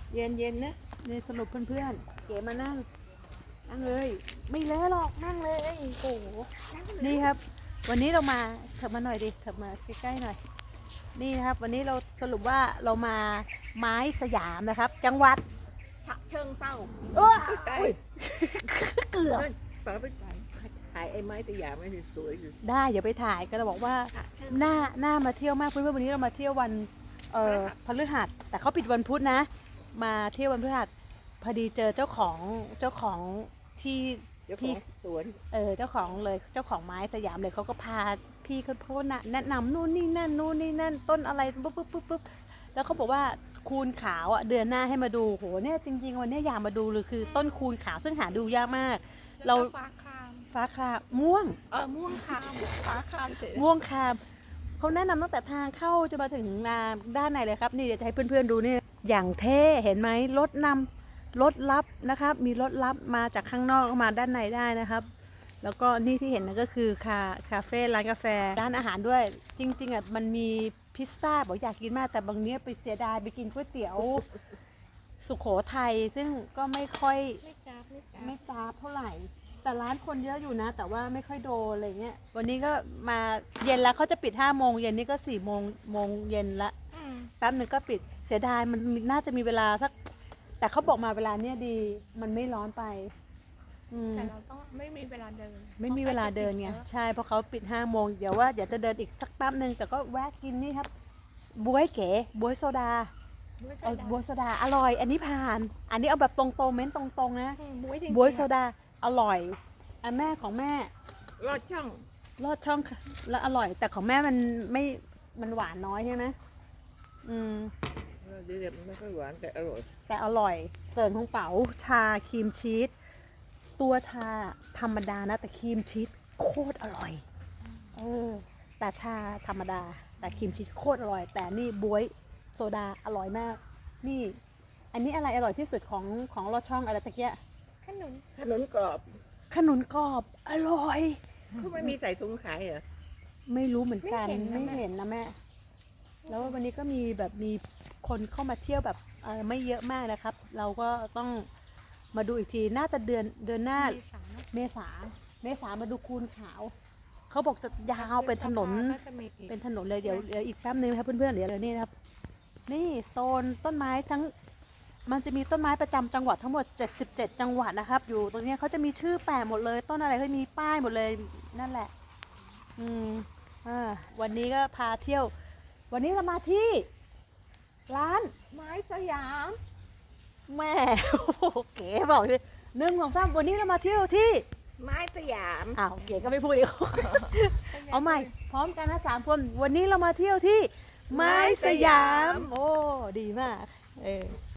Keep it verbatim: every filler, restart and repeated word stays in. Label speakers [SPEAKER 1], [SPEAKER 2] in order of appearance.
[SPEAKER 1] เย็นเย็นนะนี่สรุปเพื่อนๆเก๋มานั่งนั่งเลยไม่เลอะหรอกนั่งเลยโอ้โหนี่ครับวันนี้เรามาเถิบมาหน่อยดิเถิบมาใกล้ๆหน่อยนี่นะครับวันนี้เราสรุปว่าเรามาไม้สยามนะครับ จังหวัด
[SPEAKER 2] ฉะเชิงเศร้า
[SPEAKER 1] โอ้ย
[SPEAKER 2] เกือบป้าไปถ่ายไอ้ไม้ตะหยาไม่สวยอยู่
[SPEAKER 1] ได้อย่าไปถ่ายก็เราบอกว่าหน้าหน้ามาเที่ยวมากเพื่อนๆวันนี้เรามาเที่ยววันเอ่อพฤหัสแต่เขาปิดวันพุธนะมาเที่ยววันพฤหัสพอดีเจอเจ้าของเจ้าของที่
[SPEAKER 2] เจ้าขอ
[SPEAKER 1] พี่
[SPEAKER 2] งสวน
[SPEAKER 1] เออเจ้าของเลยเจ้าของไม้สยามเลยเขาก็พาพี่เขาโพสต์น่ะแนะนำนู่นนี่นั่นนู่นนี่นั่นต้นอะไรปุ๊บปุ๊บปุ๊บปุ๊บแล้วเขาบอกว่าคูณขาวอ่ะเดือนหน้าให้มาดูโหเนี่ยจริงๆวันนี้อยากมาดูเลยคือต้นคูณขาวซึ่งหาดูยากมาก เรา
[SPEAKER 2] ฟ้าคาม
[SPEAKER 1] ฟ้าคาม่วง
[SPEAKER 2] เออม่วงคามฟ้าคามเฉย
[SPEAKER 1] ม่วงคามเขาแนะนำตั้งแต่ทางเข้าจะมาถึงนาด้านในเลยครับนี่เดี๋ยวจะให้เพื่อนๆดูนี่อย่างเท่เห็นไหมรถนำรถลับนะครับมีรถลับมาจากข้างนอกเข้ามาด้านในได้นะครับ แล้วก็นี่ที่เห็นนั่นก็คือคาคาเฟ่ร้านกาแฟร้านอาหารด้วย จริงๆอ่ะมันมีพิซซ่าบอกอยากกินมากแต่บางเนี้ยไปเสียดายไปกินก๋วยเตี๋ยว สุโขทัยซึ่งก็ไม่ค่อย
[SPEAKER 2] ไม่จ้าไม่จ้า
[SPEAKER 1] ไม่จ้าบเท่าไหร่ แต่ร้านคนเยอะอยู่นะ แต่ว่าไม่ค่อยโดนอะไรเงี้ยวันนี้ก็มาเย็นแล้วเขาจะปิดห้าโมงเย็นนี่ก็สี่โมงโมงเย็นละแป๊บหนึ่งก็ปิดเสียดายมันน่าจะมีเวลาสักแต่เขาบอกมาเวลาเนี้ยดีมันไม่ร้อนไปอืม
[SPEAKER 3] แต่เราต้องไม่มีเวลาเดิน
[SPEAKER 1] ไม่มีเวลาเดินไงใช่เพราะเขาปิดห้าโมงเดี๋ยวว่าเดี๋ยวจะเดินอีกสักแป๊บหนึ่งแต่ก็แวะกินนี่ครับบ๊วยเก๋บ๊วยโซดา
[SPEAKER 3] ไม่ใช่
[SPEAKER 1] เอา
[SPEAKER 3] ดา
[SPEAKER 1] บ๊วยโซดาอร่อย อันนี้ผ่าน อันนี้เอาแบบตรงๆเม้นตรงๆนะ
[SPEAKER 3] บุ้ยจริงๆ
[SPEAKER 1] บ๊วยโซดาอร่อยอันแม่ของแม่
[SPEAKER 2] ลอดช่อง
[SPEAKER 1] ลอดช่องค่ะแล้วอร่อย แต่ของแม่มันไม่มันหวานน้อยใช่ไหมอืม
[SPEAKER 2] เดี๋ยวมันไม่ค่อยหวานแต่อร่อย
[SPEAKER 1] แต่อร่อยเสิร์ฟของเป๋าชาครีมชีสตัวชาธรรมดานะ แต่ครีมชีสโคตรอร่อยเออแต่ชาธรรมดา แต่ครีมชีสโคตรอร่อย แต่นี่บ๊วยโซดาอร่อยมาก นี่ อันนี้อะไรอร่อยที่สุดของของลอดช่องอะไรตะเกีย
[SPEAKER 3] ขนุน
[SPEAKER 2] ขนมกรอบ
[SPEAKER 1] ขนุนกรอบอร่อย
[SPEAKER 2] เขาไม่มีใส่ถุงขายเหรอ
[SPEAKER 1] ไม่รู้เหมือนกันไม่เห็นนะแม่ แล้ววันนี้ก็มีแบบมีคนเข้ามาเที่ยวแบบเออไม่เยอะมากนะครับ เราก็ต้องมาดูอีกทีน่าจะเดือนเดือนหน้า
[SPEAKER 3] มีสาม
[SPEAKER 1] เมษาเมษามาดูคูนขาว เขาบอกจะยาวเป็นถนน
[SPEAKER 3] ก็จะมีอีก
[SPEAKER 1] เป็นถนนเลยเดี๋ยวเดี๋ยวอีกแป๊บนึงนะครับเพื่อนๆเดี๋ยวเดี๋ยวนี่นะครับ นี่โซนต้นไม้ทั้งมันจะมีต้นไม้ประจำจังหวัดทั้งหมดเจ็ดสิบเจ็ดจังหวัดนะครับ อยู่ตรงเนี้ยเขาจะมีชื่อแปะหมดเลย ต้นอะไรก็มีป้ายหมดเลยนั่นแหละ อืมอ่าวันนี้ก็พาเที่ยว วันนี้เรามาที่ ร้าน
[SPEAKER 2] ไม้สยาม
[SPEAKER 1] แม่ โอ้โหเก๋บอกเลยหนึ่งสองสามวันนี้เรามาเที่ยวที่
[SPEAKER 2] ไม้สยาม
[SPEAKER 1] อ้าวเก๋ก็ไม่พูดอีก เอาใหม่ พร้อมกันนะสามคน วันนี้เรามาเที่ยวที่ ไม้สยาม โอ้ ดีมาก เออ